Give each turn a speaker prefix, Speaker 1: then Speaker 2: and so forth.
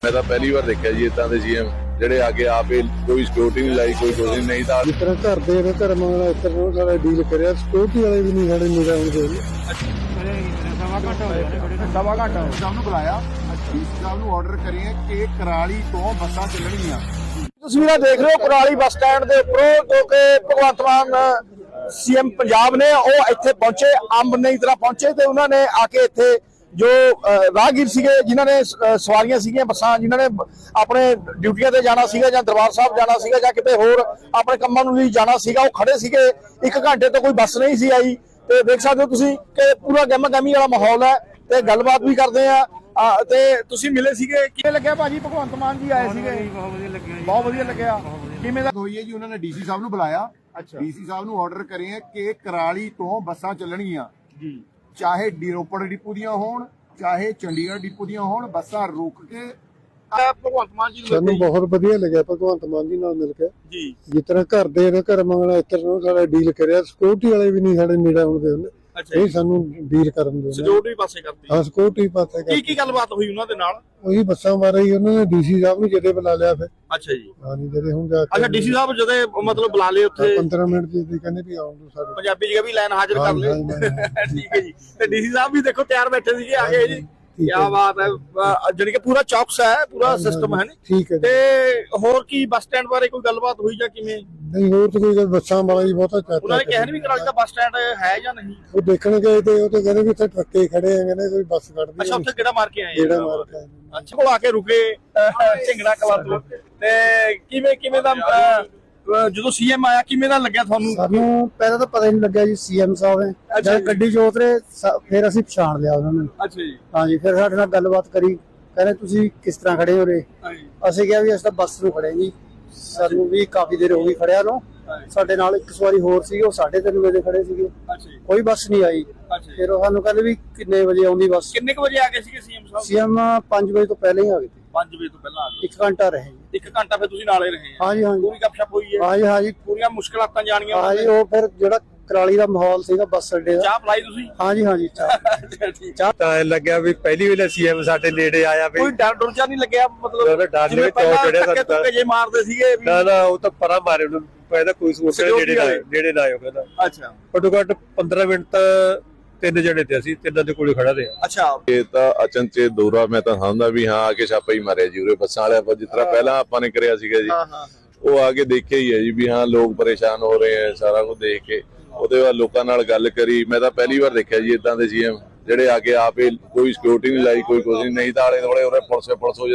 Speaker 1: मैं तो पहली बार देखा जी इतना के सीएम ਜਿਹੜੇ आके आप कोई सिक्योरिटी नहीं लाई कोई कुछ नहीं था
Speaker 2: जिस तरह घर दे ने घर मंगना इस तरह सारा डील करिया सिक्योरिटी वाले भी नहीं साढ़े निगाह होंगे
Speaker 3: सवा घंटा ਸਾਹਿਬ ਨੂੰ ਬੁਲਾਇਆ ਡੀਸੀ ਸਾਹਿਬ ਨੂੰ ਆਰਡਰ ਕਰੀਏ ਕਿ ਕਰਾਲੀ ਤੋਂ ਬੱਸਾਂ ਚੱਲਣਗੀਆਂ।
Speaker 4: ਤਸਵੀਰਾਂ ਦੇਖ ਰਹੇ ਹੋ ਕੁਰਾਲੀ ਬੱਸ ਸਟੈਂਡ ਦੇ ਉੱਪਰੋਂ ਜੋ ਕਿ ਭਗਵੰਤ ਮਾਨ ਸੀਐਮ ਪੰਜਾਬ ਨੇ ਉਹ ਇੱਥੇ ਪਹੁੰਚੇ ਅੰਬ ਨਹੀਂ ਤਰ੍ਹਾਂ ਪਹੁੰਚੇ ਤੇ ਉਹਨਾਂ ਨੇ ਆ ਕੇ ਇੱਥੇ ਜੋ ਰਾਹਗੀਰ ਸੀਗੇ ਜਿਨ੍ਹਾਂ ਨੇ ਸਵਾਰੀਆਂ ਸੀਗੀਆਂ ਬੱਸਾਂ ਜਿਨ੍ਹਾਂ ਨੇ ਆਪਣੇ ਡਿਊਟੀਆਂ ਤੇ ਜਾਣਾ ਸੀਗਾ ਜਾਂ ਦਰਬਾਰ ਸਾਹਿਬ ਜਾਣਾ ਸੀਗਾ ਜਾਂ ਕਿਤੇ ਹੋਰ ਆਪਣੇ ਕੰਮਾਂ ਨੂੰ ਲਈ ਜਾਣਾ ਸੀਗਾ ਉਹ ਖੜੇ ਸੀਗੇ 1 ਘੰਟੇ ਤੋਂ ਕੋਈ ਬੱਸ ਨਹੀਂ ਸੀ ਆਈ ਤੇ ਦੇਖ ਸਕਦੇ ਹੋ ਤੁਸੀਂ ਕਿ ਪੂਰਾ ਗਹਿਮਾ-ਗਹਿਮੀ ਵਾਲਾ ਮਾਹੌਲ ਹੈ ਤੇ ਗੱਲਬਾਤ ਵੀ ਕਰਦੇ ਆ ਤੇ ਤੁਸੀਂ ਮਿਲੇ ਸੀਗੇ ਕਿਵੇਂ ਲੱਗਿਆ ਭਾਜੀ ਭਗਵੰਤ ਮਾਨ ਜੀ ਆਏ ਸੀਗੇ ਬਹੁਤ ਵਧੀਆ ਲੱਗਿਆ ਕਿਵੇਂ ਦਾ
Speaker 3: ਹੋਈ ਹੈ ਜੀ ਉਹਨਾਂ ਨੇ ਡੀਸੀ ਸਾਹਿਬ ਨੂੰ ਬੁਲਾਇਆ ਡੀਸੀ ਸਾਹਿਬ ਨੂੰ ਆਰਡਰ ਕਰੀਏ ਕਿ ਕਰਾਲੀ ਤੋਂ ਬੱਸਾਂ ਚੱਲਣਗੀਆਂ ਜੀ ਚਾਹੇ ਰੋਪੜ ਡਿਪੂ ਦੀਆਂ ਹੋਣ ਚਾਹੇ ਚੰਡੀਗੜ੍ਹ ਡਿਪੂ ਦੀਆਂ ਹੋਣ ਬੱਸਾਂ ਰੁਕ ਕੇ
Speaker 4: ਭਗਵੰਤ ਮਾਨ ਜੀ
Speaker 2: ਸਾਨੂੰ ਬਹੁਤ ਵਧੀਆ ਲੱਗਿਆ ਭਗਵੰਤ ਮਾਨ ਜੀ ਨਾਲ ਮਿਲ ਕੇ
Speaker 4: ਜੀ
Speaker 2: ਜਿਸ ਤਰ੍ਹਾਂ ਘਰ ਦੇ ਨੇ ਘਰ ਮੰਗਣਾ ਇਸ ਤਰ੍ਹਾਂ ਸਾਰਾ ਡੀਲ ਕਰਿਆ ਸਿਕਿਉਰਿਟੀ ਵਾਲੇ ਵੀ ਨਹੀਂ ਸਾਡੇ ਨਿਗਾਹ ਹੁੰਦੇ ਉਹਨੇ ਇਹ ਸਾਨੂੰ ਡੀਲ ਕਰਨ ਦੇ
Speaker 4: ਸਿਕਿਉਰਿਟੀ ਪਾਸੇ ਕਰਦੀ
Speaker 2: ਹਾਂ ਸਿਕਿਉਰਿਟੀ ਪਾਸੇ
Speaker 4: ਕੀ ਗੱਲਬਾਤ ਹੋਈ ਉਹਨਾਂ ਦੇ ਨਾਲ
Speaker 2: ਉਹੀ ਬੱਸਾਂ ਮਾਰਾ ਹੀ ਉਹਨਾਂ ਨੇ ਡੀਸੀ ਸਾਹਿਬ ਨੂੰ ਜਦੇ ਬੁਲਾ ਲਿਆ ਫਿਰ
Speaker 4: ਅੱਛਾ ਜੀ
Speaker 2: ਹਾਂ ਨਹੀਂ ਜਦੇ ਹੁਣ ਜਾ ਕੇ
Speaker 4: ਅੱਛਾ ਡੀਸੀ ਸਾਹਿਬ ਜਦੋਂ ਮਤਲਬ ਬੁਲਾ ਲਏ ਉੱਥੇ
Speaker 2: 15 ਮਿੰਟ ਦੀ ਕਹਿੰਦੇ ਵੀ ਆਉਣ ਦੋ ਸਾਡੇ
Speaker 4: ਪੰਜਾਬੀ ਜਗ੍ਹਾ ਵੀ ਲਾਈਨ ਹਾਜ਼ਰ ਕਰ ਲਏ ਠੀਕ ਹੈ ਜੀ ਤੇ ਡੀਸੀ ਸਾਹਿਬ ਵੀ ਦੇਖੋ ਤਿਆਰ ਬੈਠੇ ਸੀਗੇ ਆ ਗਏ ਜੀ ਕੀ ਬਾਤ ਹੈ ਜਿਹੜੀ ਕਿ ਪੂਰਾ ਚੌਕਸ ਹੈ ਪੂਰਾ ਸਿਸਟਮ ਹੈ
Speaker 2: ਠੀਕ ਹੈ
Speaker 4: ਤੇ ਹੋਰ ਕੀ ਬੱਸ ਸਟੈਂਡ ਬਾਰੇ ਕੋਈ ਗੱਲਬਾਤ ਹੋਈ ਜਾਂ ਕਿਵੇਂ
Speaker 2: ਨਹੀਂ ਹੋਰ ਤਾਂ ਕੋਈ ਗੱਲ ਬੱਸਾਂ ਵਾਲਾ ਹੀ ਬਹੁਤਾ ਚਾਹਤਾ
Speaker 4: ਉਹਨਾਂ ਨੇ ਕਿਹਾ ਨਹੀਂ ਵੀ ਕਰਾਲੀ ਦਾ ਬੱਸ ਸਟੈਂਡ ਹੈ ਜਾਂ ਨਹੀਂ
Speaker 2: ਉਹ ਦੇਖਣ ਗਏ ਤੇ ਉਹ ਤਾਂ ਕਹਿੰਦੇ ਵੀ ਇੱਥੇ ਟਰੱਕੇ ਖੜੇ ਆ ਕਹਿੰਦੇ ਕੋਈ ਬੱਸ ਕੱਢਦੀ
Speaker 4: ਅੱਛਾ ਉੱਥੇ ਕਿਹੜਾ ਮਾਰ ਕੇ ਆਏ
Speaker 2: ਜਿਹੜਾ ਮਾਰ ਕੇ ਆਏ।
Speaker 4: ਅੱਛਾ ਕੋਲ ਆ ਕੇ ਰੁਕੇ ਝਿੰਗੜਾ ਕਲਾ ਤੋਂ ਤੇ ਕਿਵੇਂ ਦਾ ਜਦੋਂ ਸੀਐਮ ਆਇਆ ਕਿਵੇਂ ਦਾ ਲੱਗਿਆ ਤੁਹਾਨੂੰ
Speaker 2: ਸਾਨੂੰ ਪਹਿਲਾਂ ਤਾਂ ਪਤਾ ਹੀ ਨਹੀਂ ਲੱਗਿਆ ਜੀ ਸੀਐਮ ਸਾਹਿਬ ਨੇ ਜਦ ਗੱਡੀ ਚ ਉਤਰੇ ਫਿਰ ਅਸੀਂ ਪਛਾਣ ਲਿਆ ਉਹਨਾਂ ਨੂੰ
Speaker 4: ਅੱਛਾ ਜੀ
Speaker 2: ਹਾਂਜੀ ਫਿਰ ਸਾਡੇ ਨਾਲ ਗੱਲਬਾਤ ਕਰੀ ਕਹਿੰਦੇ ਤੁਸੀਂ ਕਿਸ ਤਰ੍ਹਾਂ ਖੜੇ ਹੋ ਰੇ ਅਸੀਂ ਕਿਹਾ ਵੀ ਅਸੀਂ ਤਾਂ ਬੱਸ ਨੂੰ ਖੜੇ ਜੀ ਸਾਨੂੰ ਵੀ ਕਾਫੀ ਦੇਰ ਹੋ ਗਈ ਖੜਿਆ ਨੂੰ ਸਾਡੇ ਨਾਲ ਇੱਕ ਸਵਾਰੀ ਹੋਰ ਸੀ ਉਹ 3:30 ਵਜੇ ਖੜੇ ਸੀਗੇ ਕੋਈ ਬੱਸ ਨਹੀਂ ਆਈ ਫਿਰ ਉਹ ਸਾਨੂੰ ਕਹਿੰਦੇ ਵੀ ਕਿੰਨੇ ਵਜੇ ਆਉਂਦੀ ਬੱਸ
Speaker 4: ਕਿੰਨੇ ਕੁ ਵਜੇ ਆ ਗਏ ਸੀਗੇ ਸੀਐਮ ਸਾਹਿਬ
Speaker 2: ਸੀਐਮ 5 ਵਜੇ ਤੋਂ ਪਹਿਲਾਂ ਹੀ ਆ ਗਏ
Speaker 4: 5 ਵਜੇ ਤੋਂ ਪਹਿਲਾਂ ਆ ਗਏ
Speaker 2: 1 ਘੰਟਾ ਰਹੇ
Speaker 4: 1 ਘੰਟਾ ਫਿਰ ਤੁਸੀਂ ਨਾਲੇ ਰਹੇ
Speaker 2: ਹਾਂਜੀ ਹਾਂਜੀ
Speaker 4: ਪੂਰੀ ਗੱਪਸ਼ਪ ਹੋਈ ਹੈ
Speaker 2: ਹਾਂਜੀ ਹਾਂਜੀ
Speaker 4: ਪੂਰੀਆਂ ਮੁਸ਼ਕਲਾਤਾਂ ਜਾਣੀਆਂ
Speaker 2: ਹਾਂਜੀ ਉਹ ਫਿਰ ਜਿਹੜਾ ਕਰਾਲੀ ਦਾ ਮਾਹੌਲ ਸੀਗਾ ਬੱਸ ਅੱਡੇ ਦਾ
Speaker 4: ਚਾਹ ਪਲਾਈ ਤੁਸੀਂ
Speaker 2: ਹਾਂਜੀ ਹਾਂਜੀ
Speaker 4: ਚਾਹ
Speaker 5: ਤਾਂ ਲੱਗਿਆ ਵੀ ਪਹਿਲੀ ਵੇਲੇ ਸੀਐਮ ਸਾਡੇ ਨੇੜੇ ਆਇਆ ਵੀ
Speaker 4: ਕੋਈ ਡਰ ਡੁਰ ਨਹੀਂ ਲੱਗਿਆ ਮਤਲਬ
Speaker 5: ਡਰ ਨਹੀਂ ਚੌੜ ਚੜਿਆ
Speaker 4: ਧੱਕੇ ਜੇ ਮਾਰਦੇ ਸੀਗੇ
Speaker 5: ਨਾ ਉਹ ਤਾਂ ਪਰਾਂ ਮਾਰੇ ਉਹਨੂੰ ਪਹਿਲਾਂ ਕੋਈ ਸੋਚ ਨੇੜੇ ਨਾ ਆਇਓ ਕਹਿੰਦਾ
Speaker 4: ਅੱਛਾ
Speaker 5: ਘੱਟੋ ਘੱਟ 15 ਮਿੰਟ ਤਾਂ 3 ਜਣੇ ਤੇ ਅਸੀਂ ਤਿੰਨਾਂ ਦੇ ਕੋਲੇ ਖੜਾ ਰਿਹਾ
Speaker 4: ਅੱਛਾ
Speaker 1: ਇਹ ਤਾਂ ਅਚਨਚੇਤ ਦੌਰਾ ਮੈਂ ਤਾਂ ਸਮਝਦਾ ਵੀ ਹਾਂ ਆ ਕੇ ਛਾਪਾ ਹੀ ਮਾਰਿਆ ਜੀ ਉਰੇ ਬੱਸਾਂ ਵਾਲਿਆਂ ਪਰ ਜਿਸ ਤਰ੍ਹਾਂ ਪਹਿਲਾਂ ਆਪਾਂ ਨੇ ਕਰਿਆ ਸੀਗਾ ਜੀ ਉਹ ਆ ਕੇ ਦੇਖਿਆ ਹੀ ਹੈ ਜੀ ਵੀ ਹਾਂ ਲੋਕ ਪਰੇਸ਼ਾਨ ਹੋ ਰਹੇ ਆ ਸਾਰਾ ਕੁਝ ਦੇਖ ਕੇ ਉਹਦੇ ਬਾਅਦ ਲੋਕਾਂ ਨਾਲ ਗੱਲ ਕਰੀ ਮੈਂ ਤਾਂ ਪਹਿਲੀ ਵਾਰ ਦੇਖਿਆ ਜੀ ਇਦਾਂ ਦੇ ਸੀਐਮ ਜਿਹੜੇ ਆ ਕੇ ਆਪ ਕੋਈ ਸਿਕਿਉਰਿਟੀ ਨਹੀਂ ਲਾਈ ਕੋਈ ਕੁਝ ਨਹੀਂ ਤਾਂ ਆਲੇ ਦੁਆਲੇ ਉਰੇ ਪੁਲਿਸ